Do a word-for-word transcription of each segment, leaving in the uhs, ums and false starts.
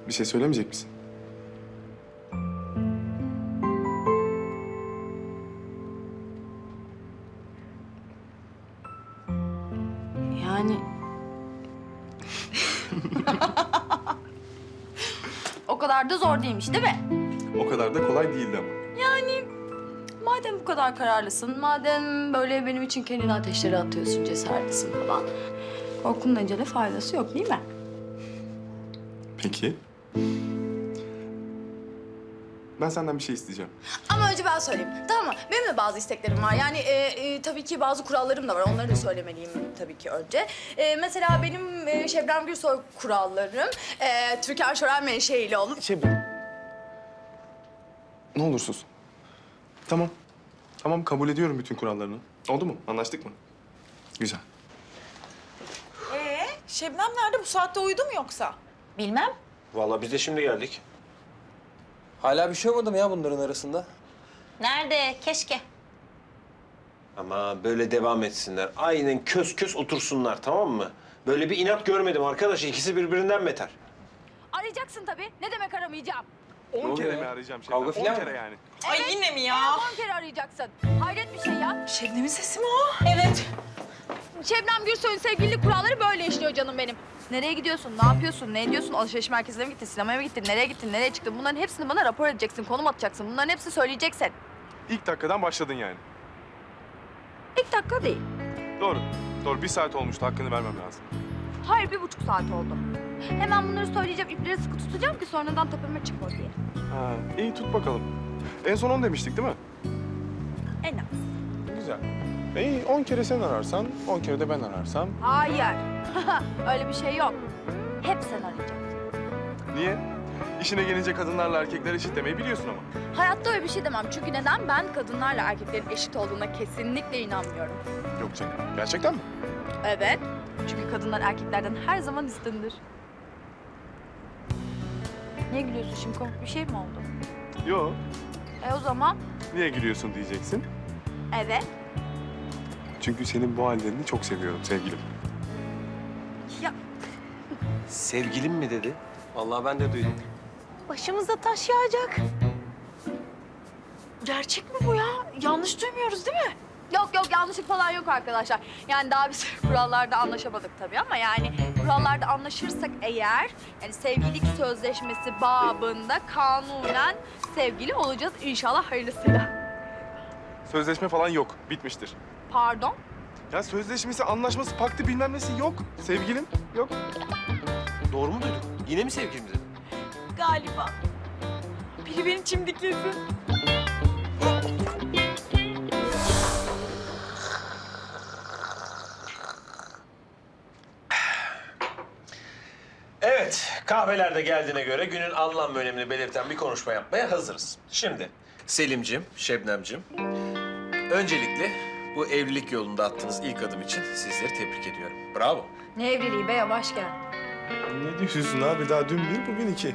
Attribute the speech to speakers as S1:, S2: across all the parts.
S1: Bir şey söylemeyecek misin?
S2: Yani... O kadar da zor değilmiş değil mi?
S1: O kadar da kolay değildi ama.
S2: Yani madem bu kadar kararlısın, madem böyle benim için kendini ateşlere atıyorsun, cesaretlisin falan... Korkunun ecele faydası yok değil mi?
S1: Peki. Ben senden bir şey isteyeceğim.
S2: Ama önce ben söyleyeyim. Tamam mı? Benim de bazı isteklerim var. Yani e, e, tabii ki bazı kurallarım da var. Onları da söylemeliyim tabii ki önce. E, mesela benim e, Şebnem Gürsoy kurallarım... E, Türkan Şoray menşeili olup...
S1: Şey... Ne olur sus. Tamam. Tamam, kabul ediyorum bütün kurallarını. Oldu mu? Anlaştık mı? Güzel.
S3: Ee, Şebnem nerede? Bu saatte uyudu mu yoksa?
S2: Bilmem.
S4: Vallahi biz de şimdi geldik.
S5: Hala bir şey olmadı mı ya bunların arasında?
S6: Nerede? Keşke.
S4: Ama böyle devam etsinler. Aynen kös kös otursunlar, tamam mı? Böyle bir inat görmedim arkadaş. İkisi birbirinden beter.
S2: Arayacaksın tabii. Ne demek aramayacağım?
S1: On kere
S5: oluyor
S1: mi
S5: ya?
S1: arayacağım Şebnem?
S5: Kavga
S1: On
S5: filan
S1: kere
S5: mı?
S1: yani.
S3: Ay yine mi ya?
S2: On kere arayacaksın. Hayret bir şey ya.
S3: Şebnem'in sesi mi o?
S6: Evet.
S2: Şebnem Gürsoy'un sevgililik kuralları böyle işliyor canım benim. Nereye gidiyorsun, ne yapıyorsun, ne ediyorsun? Alışveriş merkezine mi gittin, sinemaya mı gittin, nereye gittin, nereye çıktın? Bunların hepsini bana rapor edeceksin, konum atacaksın. Bunların hepsini söyleyeceksin.
S1: İlk dakikadan başladın yani.
S2: İlk dakika değil.
S1: Doğru. Doğru. Bir saat olmuştu. Hakkını vermem lazım.
S2: Hayır, bir buçuk saat oldu. Hemen bunları söyleyeceğim, ipleri sıkı tutacağım ki sonradan tepeme çıkma diye.
S1: Ha, iyi tut bakalım. En son on demiştik değil mi?
S2: En az.
S1: Güzel. İyi, on kere sen ararsan, on kere de ben ararsam.
S2: Hayır. Öyle bir şey yok. Hep sen arayacaksın.
S1: Niye? İşine gelince kadınlarla erkekler eşit demeyi biliyorsun ama.
S2: Hayatta öyle bir şey demem. Çünkü neden? Ben kadınlarla erkeklerin eşit olduğuna kesinlikle inanmıyorum.
S1: Yok canım. Gerçekten mi?
S2: Evet. Çünkü kadınlar erkeklerden her zaman üstündür. Niye gülüyorsun şimdi? Komik bir şey mi oldu?
S1: Yok.
S2: E o zaman
S1: Niye gülüyorsun diyeceksin.
S2: evet.
S1: Çünkü senin bu hallerini çok seviyorum sevgilim.
S2: Ya
S4: Sevgilim mi dedi?
S5: Vallahi ben de duydum.
S3: Başımıza taş yağacak. Gerçek mi bu ya? Yanlış duymuyoruz değil mi?
S2: yok yok yanlışlık falan yok arkadaşlar. Yani daha biz kurallarda anlaşamadık tabii ama yani kurallarda anlaşırsak eğer yani sevgililik sözleşmesi babında kanunen sevgili olacağız inşallah hayırlısıyla.
S1: Sözleşme falan yok. Bitmiştir.
S2: Pardon?
S1: Ya sözleşmesi, anlaşması, paktı bilmem nesi yok. Sevgilim yok.
S4: Doğru mu duyduk? Yine mi sevgilim dedi?
S3: Galiba. Biri beni çimdiklesin.
S4: Evet, kahveler de geldiğine göre günün anlam ve önemini belirten bir konuşma yapmaya hazırız. Şimdi Selim'cim, Şebnem'cim, öncelikle bu evlilik yolunda attığınız ilk adım için sizleri tebrik ediyorum. Bravo.
S2: Ne evliliği be yavaş gel.
S1: Ne diyorsun abi? Daha dün bir, bugün iki.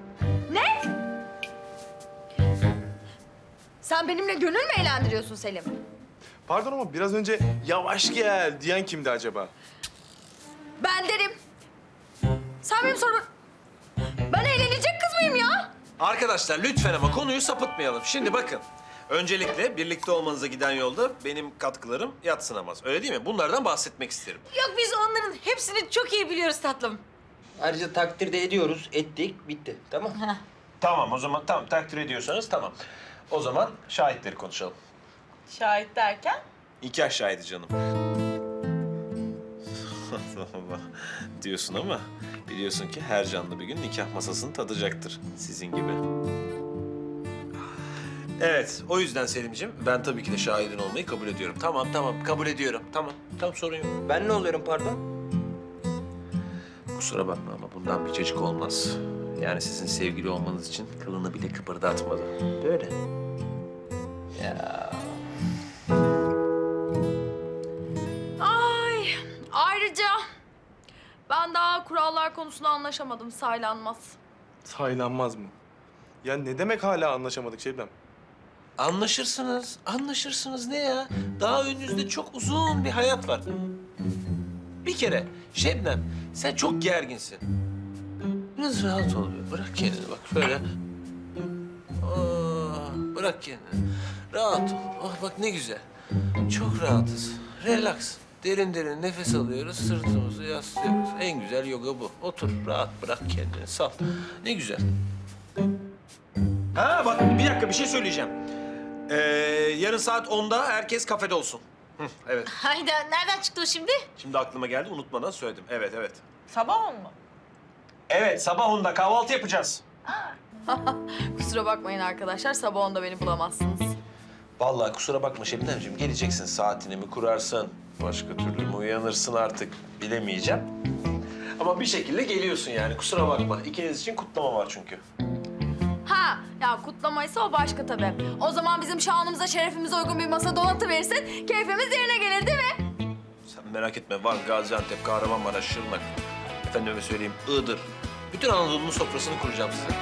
S2: Sen benimle gönül mü eğlendiriyorsun Selim?
S1: Pardon ama biraz önce yavaş gel diyen kimdi acaba?
S2: Ben derim. Sen benim sorumu... Ben eğlenecek kız mıyım ya?
S4: Arkadaşlar lütfen ama konuyu sapıtmayalım. Şimdi bakın, öncelikle birlikte olmanıza giden yolda benim katkılarım yadsınamaz. Öyle değil mi? Bunlardan bahsetmek isterim.
S6: Yok biz onların hepsini çok iyi biliyoruz tatlım.
S5: Ayrıca takdir de ediyoruz. Ettik. Bitti. Tamam.
S4: Tamam o zaman, tamam takdir ediyorsanız tamam. O zaman şahitleri konuşalım.
S3: Şahit derken?
S4: Nikah şahidi canım. Allah Allah diyorsun ama biliyorsun ki her canlı bir gün nikah masasını tadacaktır sizin gibi. Evet, o yüzden Selim'ciğim ben tabii ki de şahidin olmayı kabul ediyorum. Tamam, tamam, kabul ediyorum. Tamam, tamam sorun yok.
S5: Ben ne oluyorum pardon?
S4: Kusura bakma ama bundan bir cacık olmaz. Yani sizin sevgili olmanız için kılını bile kıpırdatmadı. Böyle.
S5: Ya.
S2: Ay ayrıca ben daha kurallar konusunda anlaşamadım saylanmaz.
S1: Saylanmaz mı? Ya ne demek hala anlaşamadık Şebnem?
S4: Anlaşırsınız, anlaşırsınız ne ya? Daha önünüzde çok uzun bir hayat var. Bir kere Şebnem, sen çok gerginsin. Biraz rahat ol. Bırak kendini bak şöyle. Aa, bırak kendini. Rahat ol. Oh bak ne güzel. Çok rahatız. Relax. Derin derin nefes alıyoruz. Sırtımızı yaslıyoruz. En güzel yoga bu. Otur rahat bırak kendini. Sal. Ne güzel. Ha bak bir dakika bir şey söyleyeceğim. Ee, yarın saat onda herkes kafede olsun. Hı, evet.
S6: Hayda nereden çıktı o şimdi?
S4: Şimdi aklıma geldi unutmadan söyledim. Evet evet.
S3: Sabah on mu?
S4: Evet sabah onda kahvaltı yapacağız.
S2: Kusura bakmayın arkadaşlar, sabah onda beni bulamazsınız.
S4: Vallahi kusura bakma Şebnemciğim geleceksin saatini mi kurarsın? Başka türlü mü uyanırsın artık bilemeyeceğim. Ama bir şekilde geliyorsun yani kusura bakma. İkiniz için kutlama var çünkü.
S2: Ha, ya kutlamaysa o başka tabii. O zaman bizim şanımıza, şerefimize uygun bir masa donatıverirsin, keyfimiz yerine gelir değil mi?
S4: Sen merak etme Van, Gaziantep, Kahramanmaraş, Şırnak. Efendime söyleyeyim Iğdır. Bütün Anadolu'nun sofrasını kuracağım size.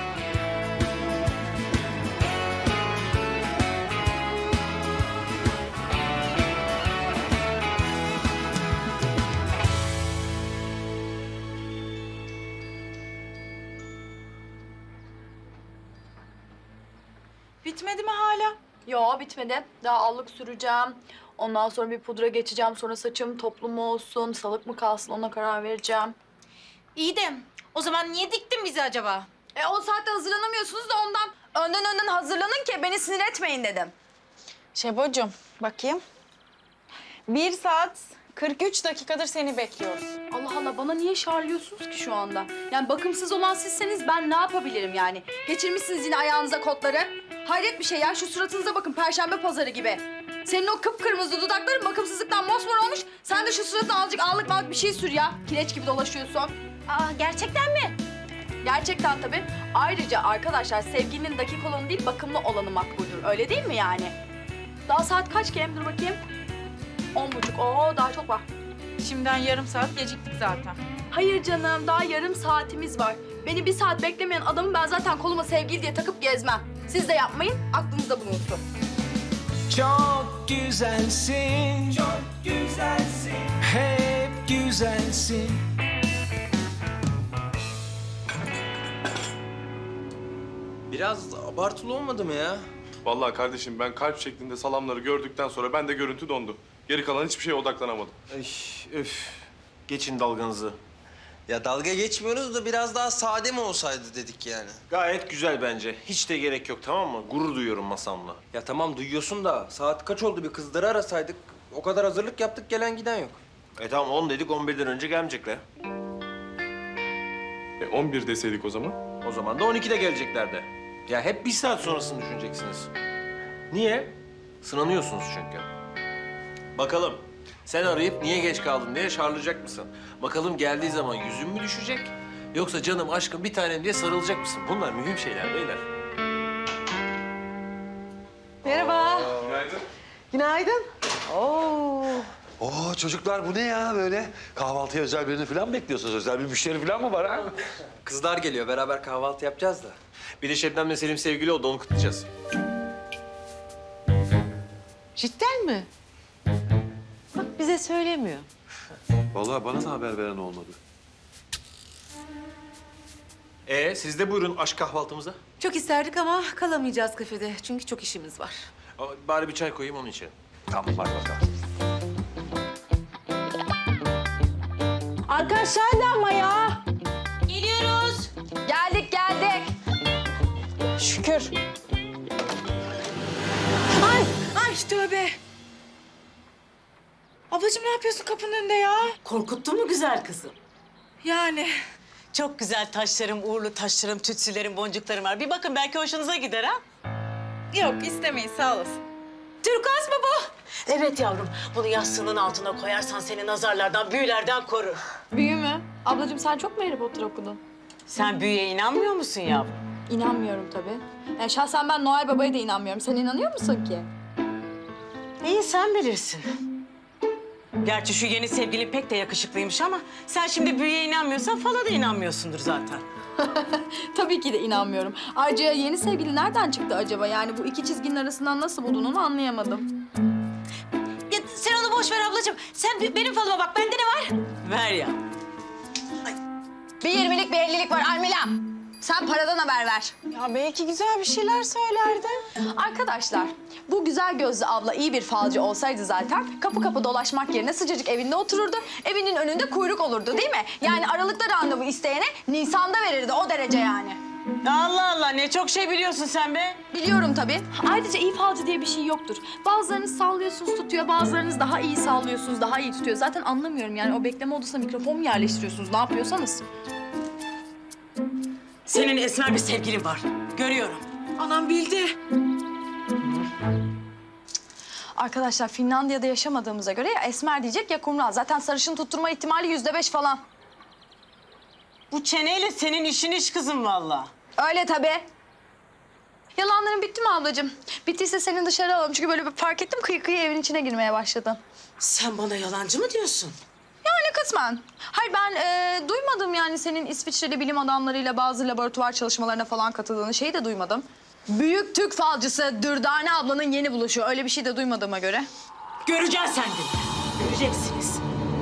S3: Bitmedi mi hala?
S2: Yo, bitmedi. Daha allık süreceğim. Ondan sonra bir pudra geçeceğim. Sonra saçım toplu mu olsun, salık mı kalsın ona karar vereceğim.
S6: İyi de o zaman niye diktin bizi acaba?
S2: E o saatte hazırlanamıyorsunuz da ondan. Önden önden hazırlanın ki beni sinir etmeyin dedim.
S3: Şebocuğum bakayım. Bir saat kırk üç dakikadır seni bekliyoruz.
S2: Allah Allah, bana niye şarlıyorsunuz ki şu anda? Yani bakımsız olan sizseniz ben ne yapabilirim yani? Geçirmişsiniz yine ayağınıza kotları. Hayret bir şey ya, şu suratınıza bakın, perşembe pazarı gibi. Senin o kıpkırmızı dudakların bakımsızlıktan mosmor olmuş. Sen de şu suratına azıcık ağlık malık bir şey sür ya. Kireç gibi dolaşıyorsun.
S6: Aa gerçekten mi?
S2: Gerçekten tabii. Ayrıca arkadaşlar sevgilinin dakik olanı değil, bakımlı olanı makbuldür. Öyle değil mi yani? Daha saat kaç ki? Dur bakayım. On buçuk. Oo, daha çok var.
S3: Şimdiden yarım saat geciktik zaten.
S2: Hayır canım, daha yarım saatimiz var. Beni bir saat beklemeyen adamı ben zaten koluma sevgili diye takıp gezmem. Siz de yapmayın, aklınızda bulunsun.
S7: Çok güzelsin, çok güzelsin, hep güzelsin.
S5: Biraz abartılı olmadı mı ya?
S1: Vallahi kardeşim ben kalp şeklinde salamları gördükten sonra ben de görüntü dondu. Geri kalan hiçbir şeye odaklanamadım.
S4: Ay, öf. Geçin dalganızı.
S5: Ya dalga geçmiyoruz da biraz daha sade mi olsaydı dedik yani.
S4: Gayet güzel bence. Hiç de gerek yok tamam mı? Gurur duyuyorum masamla.
S5: Ya tamam duyuyorsun da saat kaç oldu bir kızları arasaydık. O kadar hazırlık yaptık gelen giden yok.
S4: E tamam on dedik on birden önce gelmeyecekler.
S1: E on bir deseydik o zaman.
S4: O zaman da on ikide geleceklerdi. Ya hep bir saat sonrasını düşüneceksiniz. Niye? Sınanıyorsunuz çünkü. Bakalım sen arayıp niye geç kaldın diye şarlayacak mısın? Bakalım geldiği zaman yüzün mü düşecek? Yoksa canım aşkım bir tanem diye sarılacak mısın? Bunlar mühim şeyler beyler.
S8: Merhaba.
S1: Günaydın.
S8: Günaydın. Oo.
S9: Oo çocuklar bu ne ya böyle? Kahvaltıya özel birini falan mı bekliyorsunuz? Özel bir müşteri falan mı var ha?
S5: Kızlar geliyor beraber kahvaltı yapacağız da.
S4: Bir de Şebnem'le Selim sevgili oldu onu kutlayacağız.
S8: Cidden mi? Bak bize söylemiyor.
S9: Vallahi bana da haber veren olmadı.
S4: Ee siz de buyurun aşk kahvaltımıza.
S8: Çok isterdik ama kalamayacağız kafede. Çünkü çok işimiz var.
S4: Aa, Bari bir çay koyayım onun için.
S9: Tamam hadi bakalım.
S2: Arkadaşlar hadi ama ya.
S6: Geliyoruz.
S2: Geldik geldik.
S3: Şükür. Ay, ay tövbe. Ablacığım ne yapıyorsun kapının önünde ya?
S10: Korkuttun mu güzel kızım?
S3: Yani.
S10: Çok güzel taşlarım, uğurlu taşlarım, tütsülerim, boncuklarım var. Bir bakın belki hoşunuza gider ha?
S3: Yok istemeyin sağ olasın.
S10: Türkaz mı bu? Evet yavrum. Bunu yastığının altına koyarsan seni nazarlardan, büyülerden korur.
S2: Büyü mü? Ablacığım sen çok mu Harry Potter okudun?
S10: Sen büyüye inanmıyor musun yavrum?
S2: İnanmıyorum tabii. Yani şahsen ben Noel Baba'ya da inanmıyorum. Sen inanıyor musun ki?
S10: İyi sen bilirsin. Gerçi şu yeni sevgilin pek de yakışıklıymış ama sen şimdi büyüye inanmıyorsan fala da inanmıyorsundur zaten.
S2: Tabii ki de inanmıyorum. Ayrıca yeni sevgili nereden çıktı acaba? Yani bu iki çizginin arasından nasıl buldun onu anlayamadım.
S6: Ya sen onu boş ver ablacığım. Sen be- benim falıma bak. Bende ne var?
S10: Ver ya.
S2: Bir yirmilik bir ellilik var Almila. Sen paradan haber ver.
S3: Ya belki güzel bir şeyler söylerdi.
S2: Arkadaşlar, bu güzel gözlü abla iyi bir falcı olsaydı zaten kapı kapı dolaşmak yerine sıcacık evinde otururdu. Evinin önünde kuyruk olurdu değil mi? Yani aralıkta randevu isteyene Nisan'da verirdi o derece yani.
S10: Allah Allah ne çok şey biliyorsun sen be.
S2: Biliyorum tabii. Ayrıca iyi falcı diye bir şey yoktur. Bazılarınız sallıyorsunuz tutuyor, bazılarınız daha iyi sallıyorsunuz, daha iyi tutuyor. Zaten anlamıyorum yani o bekleme odasına mikrofon mu yerleştiriyorsunuz, ne yapıyorsanız.
S10: Senin esmer bir sevgilin var. Görüyorum.
S3: Anam bildi.
S2: Arkadaşlar Finlandiya'da yaşamadığımıza göre ya esmer diyecek ya kumral. Zaten sarışın tutturma ihtimali yüzde beş falan.
S10: Bu çeneyle senin işin iş kızım vallahi.
S2: Öyle tabii. Yalanların bitti mi ablacığım? Bittiyse seni dışarı alalım. Çünkü böyle bir fark ettim kıyı kıyı evin içine girmeye başladın.
S10: Sen bana yalancı mı diyorsun?
S2: Yani kısmen. Hayır ben e, duymadım yani senin İsviçreli bilim adamlarıyla bazı laboratuvar çalışmalarına falan katıldığını şeyi de duymadım. Büyük Türk falcısı Dürdane ablanın yeni buluşu. Öyle bir şey de duymadığıma göre.
S10: Göreceğiz sen de. Göreceksiniz.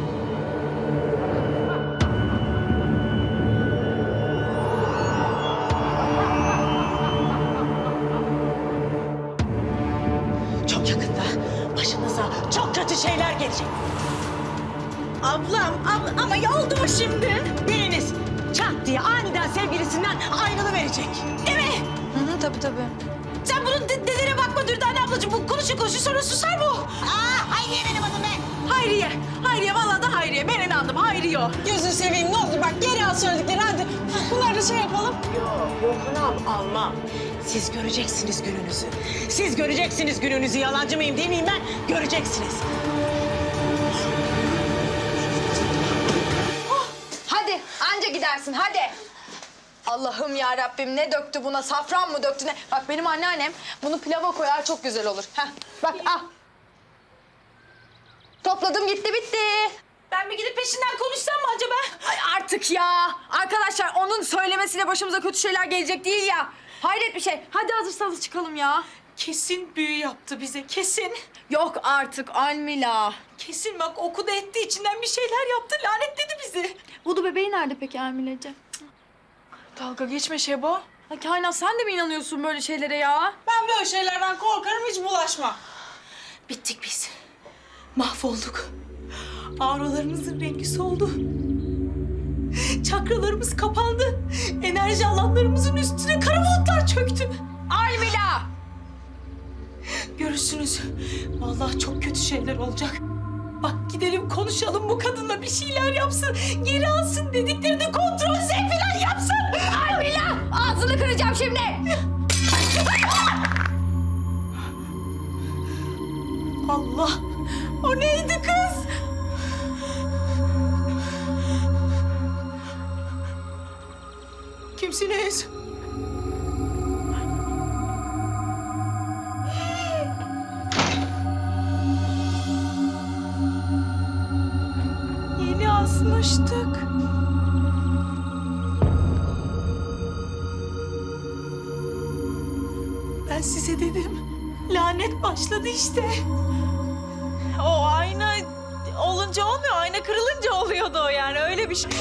S10: Çok yakında başınıza çok kötü şeyler gelecek.
S3: Ablam, abla, ama ya oldu mu şimdi?
S10: Biriniz çat diye aniden sevgilisinden ayrılıverecek. Değil mi?
S2: Hı hı tabii tabii.
S3: Sen bunun de dedene bakma Dürdane ablacığım. Bu konuşur konuşur sonra susar bu.
S10: Aa, Hayriye benim adım be.
S3: Hayriye. Hayriye vallahi da Hayriye. Ben inandım Hayriye o. Gözünü seveyim ne olur bak geri al söyledikleri hadi. Bunları da şey yapalım.
S10: Yok anam almam. Siz göreceksiniz gününüzü. Siz göreceksiniz gününüzü. Yalancı mıyım değil miyim ben? Göreceksiniz.
S2: Hadi anca gidersin hadi. Allah'ım ya Rabbim ne döktü buna? Safran mı döktü ne? Bak benim anneannem bunu pilava koyar çok güzel olur. Heh, bak al. Topladım gitti bitti.
S3: Ben bir gidip peşinden konuşsam mı acaba?
S2: Ay artık ya. Arkadaşlar onun söylemesiyle başımıza kötü şeyler gelecek değil ya. Hayret bir şey. Hadi hazırsanız çıkalım ya.
S3: Kesin büyü yaptı bize kesin.
S2: Yok artık Almila.
S3: Kesin bak okudu etti içinden bir şeyler yaptı lanetledi bizi.
S2: Vudu bebeği nerede peki Almila'cığım?
S3: Dalga geçme Şebo.
S2: Ay Kainat sen de mi inanıyorsun böyle şeylere ya?
S3: Ben böyle şeylerden korkarım hiç bulaşma. Bittik biz. Mahvolduk. Auralarımızın rengi soldu. Çakralarımız kapandı. Enerji alanlarımızın üstüne kara bulutlar çöktü.
S2: Almila!
S3: Görürsünüz. Vallahi çok kötü şeyler olacak. Bak gidelim konuşalım bu kadınla bir şeyler yapsın. Geri alsın dediklerini kontrol Z falan yapsın.
S2: Almila! Ağzını kıracağım şimdi.
S3: Allah! O neydi kız? Kimsiniz? Yeni asmıştık. Ben size dedim. Lanet başladı işte. O ayna olunca olmuyor. Ayna kırılınca oluyordu o yani. Öyle bir şey.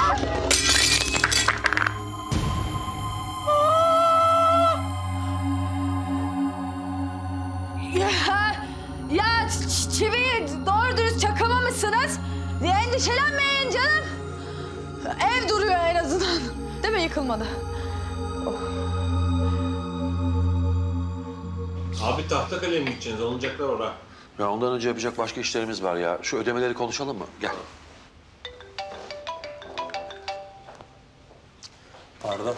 S2: Ya, ya ç- çiviyi doğru dürüst çakamamışsınız. Endişelenmeyin canım. Ev duruyor en azından. Değil mi yıkılmadı?
S4: Abi Tahtakale'ye mi gideceksiniz? Olacaklar orada.
S9: Ya ondan önce yapacak başka işlerimiz var ya. Şu ödemeleri konuşalım mı? Gel. Pardon.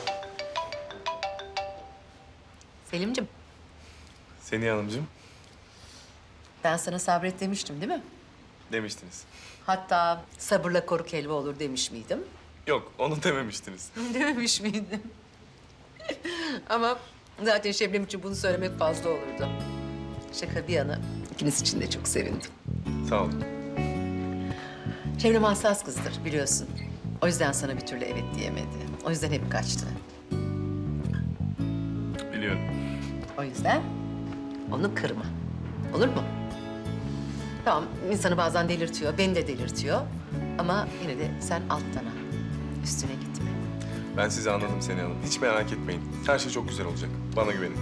S8: Selim'cim,
S1: Seni Hanımcığım
S8: ben sana sabret demiştim değil mi?
S1: demiştiniz.
S8: Hatta sabırla koruk helva olur demiş miydim?
S1: Yok onu dememiştiniz.
S8: Dememiş miydim? Ama zaten Şebnem için bunu söylemek fazla olurdu. Şaka bir yana, ikiniz için de çok sevindim.
S1: Sağ olun.
S8: Şebnem hassas kızdır biliyorsun. O yüzden sana bir türlü evet diyemedi. O yüzden hep kaçtı.
S1: Biliyorum.
S8: O yüzden onu kırma. Olur mu? Tamam, insanı bazen delirtiyor, beni de delirtiyor. Ama yine de sen alttan al. üstüne gitme.
S1: Ben sizi anladım Seni Hanım. Hiç merak etmeyin. Her şey çok güzel olacak. Bana güvenin.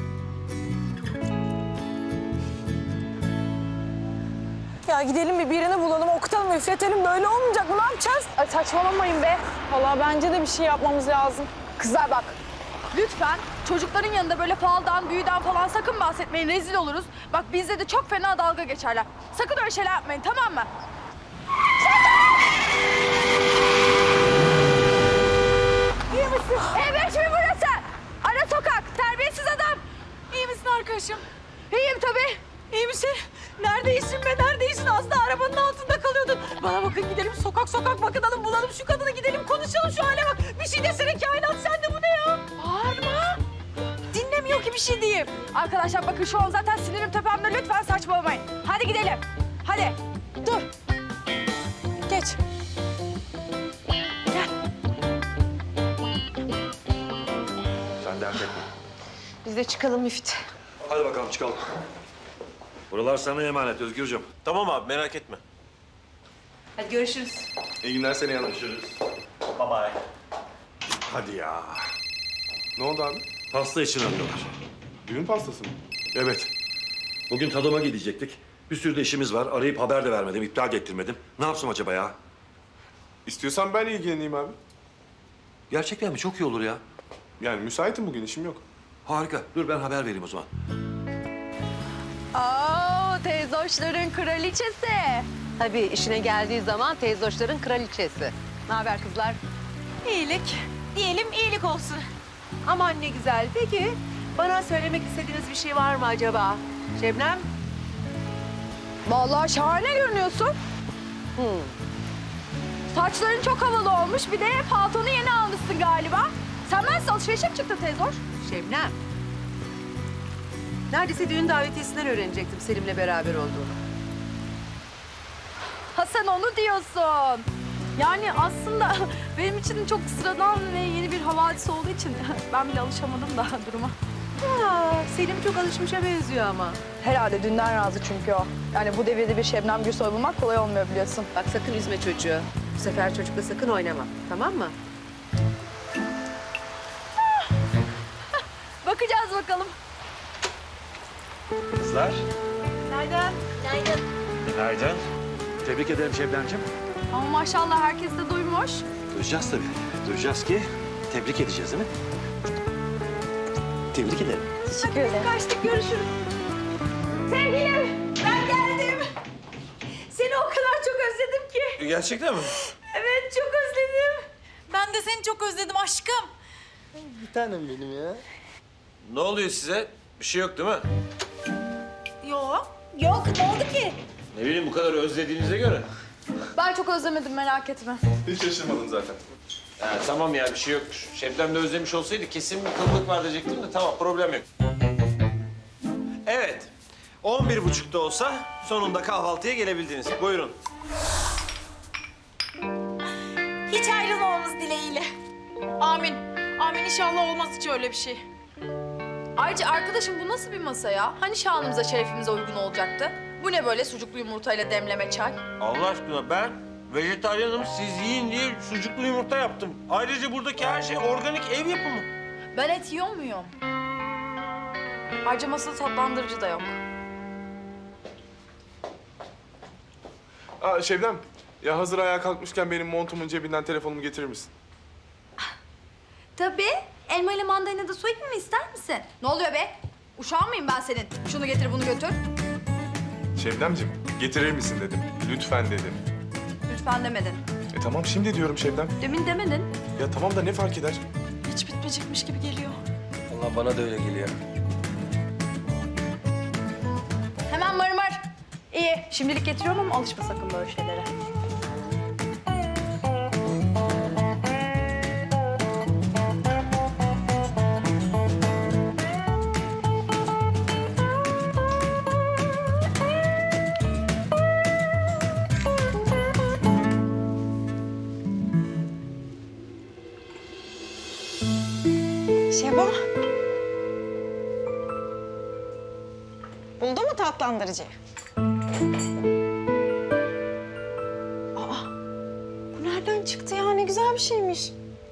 S3: Ya gidelim bir birini bulalım, okutalım, üfletelim. Böyle olmayacak mı? Ne yapacağız?
S11: Ay saçmalamayın be. Vallahi bence de bir şey yapmamız lazım.
S2: Kızlar bak, lütfen çocukların yanında böyle faldan, büyüden falan sakın bahsetmeyin. Rezil oluruz. Bak bizde de çok fena dalga geçerler. Sakın öyle şeyler yapmayın, tamam mı? İyi misin? Evet mi burası? Ara sokak, terbiyesiz adam.
S3: İyi misin arkadaşım?
S2: İyiyim tabii.
S3: İyi misin? Neredeysin be, neredeydin? Az da arabanın altında kalıyordun. Bana bakın, gidelim sokak sokak bakınalım, bulalım şu kadını, gidelim konuşalım şu hale bak. Bir şey desene kainat, sen de bu ne ya?
S2: Bağırma. Dinlemiyor ki bir şey diyeyim. Arkadaşlar bakın şu an zaten sinirim tepemde. Lütfen saçmalamayın. Hadi gidelim. Hadi.
S3: Dur. Geç.
S9: Sen dert etme.
S8: Biz de çıkalım Müftü.
S9: Hadi bakalım çıkalım. Buralar sana emanet Özgürcüğüm.
S4: Tamam abi merak etme.
S8: Hadi görüşürüz.
S1: İyi günler Seni Hanım.
S4: Bye bye.
S9: Hadi ya.
S1: Ne oldu abi?
S9: Pasta için arıyorlar.
S1: Düğün pastası mı?
S9: Evet. Bugün tadıma gidecektik. Bir sürü de işimiz var. Arayıp haber de vermedim, iptal de ettirmedim. Ne yapsam acaba ya?
S1: İstiyorsan ben ilgileneyim abi.
S9: Gerçekten mi? Çok iyi olur ya.
S1: Yani müsaitim bugün, işim yok.
S9: Harika. Dur ben haber vereyim o zaman.
S2: Oo, teyzoşların kraliçesi.
S8: Tabii işine geldiği zaman teyzoşların kraliçesi. Ne haber kızlar?
S3: İyilik. Diyelim iyilik olsun.
S8: Aman ne güzel. Peki bana söylemek istediğiniz bir şey var mı acaba? Şebnem?
S2: Vallahi şahane görünüyorsun.
S8: Hmm.
S2: Saçların çok havalı olmuş. Bir de paltonu yeni almışsın galiba. Sen bensiz alışverişe mi çıktın teyzoş?
S8: Şebnem. Neredeyse düğün davetiyesinden öğrenecektim Selim'le beraber olduğunu.
S2: Ha sen onu diyorsun. Yani aslında benim için çok sıradan ve yeni bir havadis olduğu için ben bile alışamadım da duruma.
S8: Aa, Selim çok alışmışa benziyor ama.
S2: Herhalde dünden razı çünkü o. Yani bu devirde bir Şebnem Gürsoy bulmak kolay olmuyor biliyorsun.
S8: Bak sakın üzme çocuğu. Bu sefer çocukla sakın oynama. Tamam mı?
S2: Bakacağız bakalım.
S9: Kızlar.
S2: Nereden?
S9: Günaydın. Tebrik ederim Şebnemciğim.
S2: Ama maşallah herkes de duymuş.
S9: Duyacağız tabii. Duyacağız ki tebrik edeceğiz değil mi? Tebrik ederim.
S2: Teşekkür ederim. Kaçtık, görüşürüz. Sevgilim, ben geldim. Seni o kadar çok özledim ki.
S4: Gerçekten mi?
S2: Evet, çok özledim.
S3: Ben de seni çok özledim aşkım.
S4: Ne oluyor size? Bir şey yok değil mi?
S3: Yok. Yok, ne oldu ki?
S4: Ne bileyim bu kadar özlediğinize göre.
S2: Ben çok özlemedim, merak etme.
S1: Hiç şaşırmadım zaten.
S4: Ha, tamam ya bir şey yokmuş. Şebnem de özlemiş olsaydı kesin bir kıllık var diyecektim de tamam problem yok. Evet. On bir buçukta olsa sonunda kahvaltıya gelebildiniz. Buyurun.
S3: Hiç ayrılmamamız dileğiyle. Amin. Amin, inşallah olmaz hiç öyle bir şey.
S2: Ayrıca arkadaşım bu nasıl bir masa ya? Hani şanımıza, şerefimize uygun olacaktı? Bu ne böyle sucuklu yumurtayla demleme çay?
S4: Allah aşkına ben vejetaryenim, siz yiyin diye sucuklu yumurta yaptım. Ayrıca buradaki her şey organik ev yapımı.
S2: Ben et yiyor muyum? Ayrıca masada tatlandırıcı da yok.
S1: Aa Şebnem, ya hazır ayağa kalkmışken benim montumun cebinden telefonumu getirir misin?
S2: Tabii. Elma ile mandalina da soyayım mı, ister misin? Ne oluyor be? Uşağın mıyım ben senin? Şunu getir, bunu götür.
S1: Şebnemciğim, getirir misin dedim. Lütfen dedim.
S2: Lütfen demedin.
S1: E tamam şimdi diyorum Şebnem.
S2: Demin demedin.
S1: Ya tamam da ne fark eder?
S3: Hiç bitmeyecekmiş gibi geliyor.
S5: Allah bana da öyle geliyor.
S2: Hemen mır mır. İyi, şimdilik getiriyorum ama alışma sakın böyle şeylere.
S11: Şebo. Buldu mu tatlandırıcıyı? Aa, bu nereden çıktı ya? Ne güzel bir şeymiş.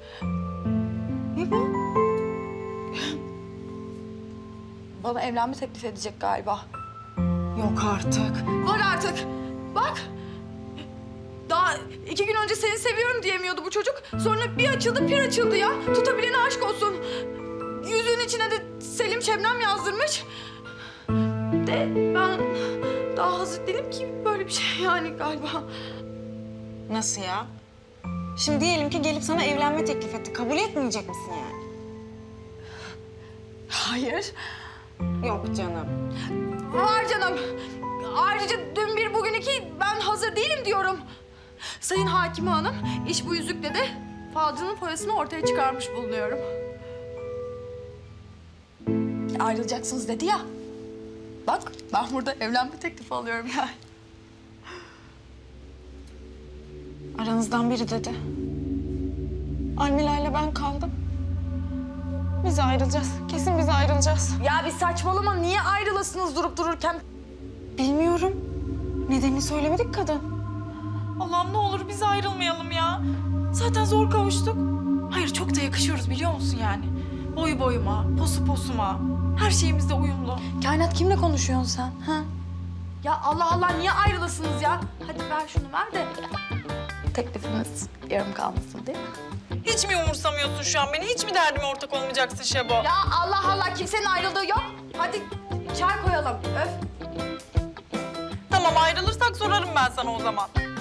S2: bana evlenme teklif edecek galiba.
S11: Yok artık.
S2: Var artık. Bak. Daha iki gün önce seni seviyorum diyemiyordu bu çocuk. Sonra bir açıldı, bir açıldı ya. Tutabilene aşk olsun. Yüzüğün içine de Selim Şebnem yazdırmış. De ben daha hazır değilim ki böyle bir şey yani galiba.
S11: Nasıl ya? Şimdi diyelim ki gelip sana evlenme teklif etti. Kabul etmeyecek misin yani?
S2: Hayır.
S11: Yok canım.
S2: Var canım. Ayrıca dün bir bugün iki ben hazır değilim diyorum. Sayın Hakime Hanım, iş bu yüzükle de falcının foyasını ortaya çıkarmış bulunuyorum. Ayrılacaksınız dedi ya. Bak ben burada evlenme teklifi alıyorum yani.
S11: Aranızdan biri dedi. Almila ile ben kaldım. Biz ayrılacağız. Kesin biz ayrılacağız.
S2: Ya bir saçmalama, niye ayrılasınız durup dururken?
S11: Bilmiyorum. Nedenini söylemedik kadın.
S3: Allah'ım ne olur biz ayrılmayalım ya. Zaten zor kavuştuk. Hayır çok da yakışıyoruz biliyor musun yani? Boyu boyuma, posu posuma. Her şeyimizde uyumlu.
S2: Kainat kimle konuşuyorsun sen? Ha? Ya Allah Allah niye ayrılasınız ya? Hadi ver şunu ver de teklifimiz yarım kalmasın değil mi?
S3: Hiç mi umursamıyorsun şu an beni? Hiç mi derdime ortak olmayacaksın Şebo?
S2: Ya Allah Allah kimsenin ayrıldığı yok. Hadi çay koyalım. Öf.
S3: Tamam ayrılırsak sorarım ben sana o zaman.